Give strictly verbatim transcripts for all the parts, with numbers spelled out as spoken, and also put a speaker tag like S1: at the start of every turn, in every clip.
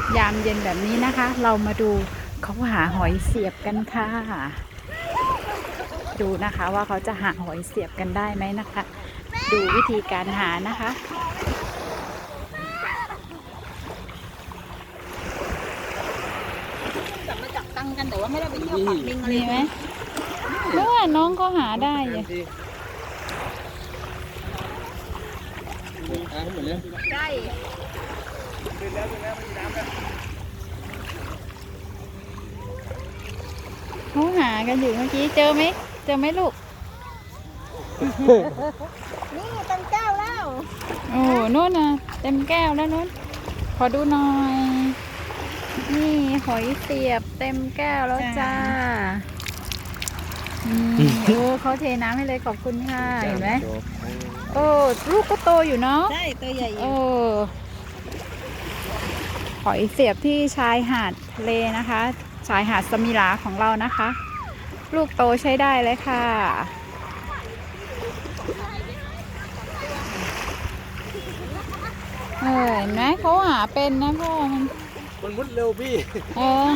S1: ยามเย็นแบบนี้นะคะ เรามาดูเขาหาหอยเสียบกันค่ะดูนะคะว่าเขาจะหาหอยเสียบกันได้ไหมนะคะ ดูวิธีการหานะคะ
S2: จับมาจับตังกันแต่ว่าไม่ได้ไปเที่ยวปักลิงอะไร
S1: มีไหมเมื่อน้องก็หาได้อยู่
S2: ใช่
S1: เขาหากันอยู่เมื่อกี้เจอไหมเจอไหมลูก
S2: นี่ตังเจ้าแล้ว
S1: โอ้นู่นน่ะเต็มแก้วแล้วนู่นขอดูหน่อย นี่หอยเสียบเต็มแก้วแล้วจ้านี่โอ้เขาเทน้ำให้เลยขอบคุณค่ะเห็นไหมโอ้ลูกก็โตอยู่เนาะ
S2: ใช่ตัวใหญ่
S1: โอ้หอยเสียบที่ชายหาดทะเลนะคะ ชายหาดสมิลาของเรานะคะ ลูกโตใช้ได้เลยค่ะเออเห็นไหมเขาหาเป็นนะพ่อมัน
S3: มันมุดเร็วพี่
S1: เออ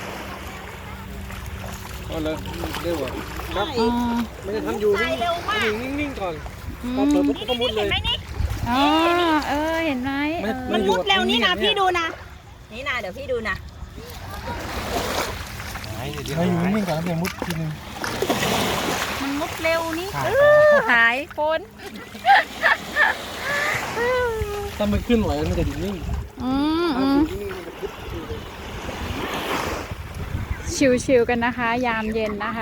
S3: เอาเลยเร็วอ่ะครับ
S1: อ่า
S3: มันจะทำอยู่นิ่งๆนิ่งๆก่อนพอเปิดปุ๊บก็มุดเลย
S1: อ๋อเออเห็นไหมเออ
S2: มันมุดเร็วนี่นะพี่ดูนะนี่นะเดี๋ยวพี่ดูนะ
S3: ให้อยู่นิ่งๆก่อนแล้วเดี๋ยวมุดทีนึง
S2: มันมุดเร็วนี่
S1: เออหายคน
S3: ถ้ามันขึ้นไหวมันจะอยู่นิ่ง
S1: อืมอืมชิวๆกันนะคะ ยามเย็นนะคะ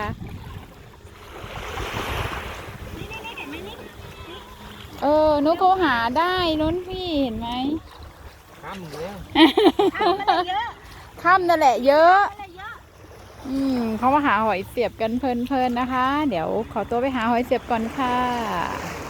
S1: เออนุ๊กเขาหาได้นุ้นพี่เห็นไหม
S3: ข้ามเลย
S1: ค่ำนั่นแหละเยอะ อืมเขามาหาหอยเสียบกันเพลินๆนะคะ เดี๋ยวขอตัวไปหาหอยเสียบก่อนค่ะ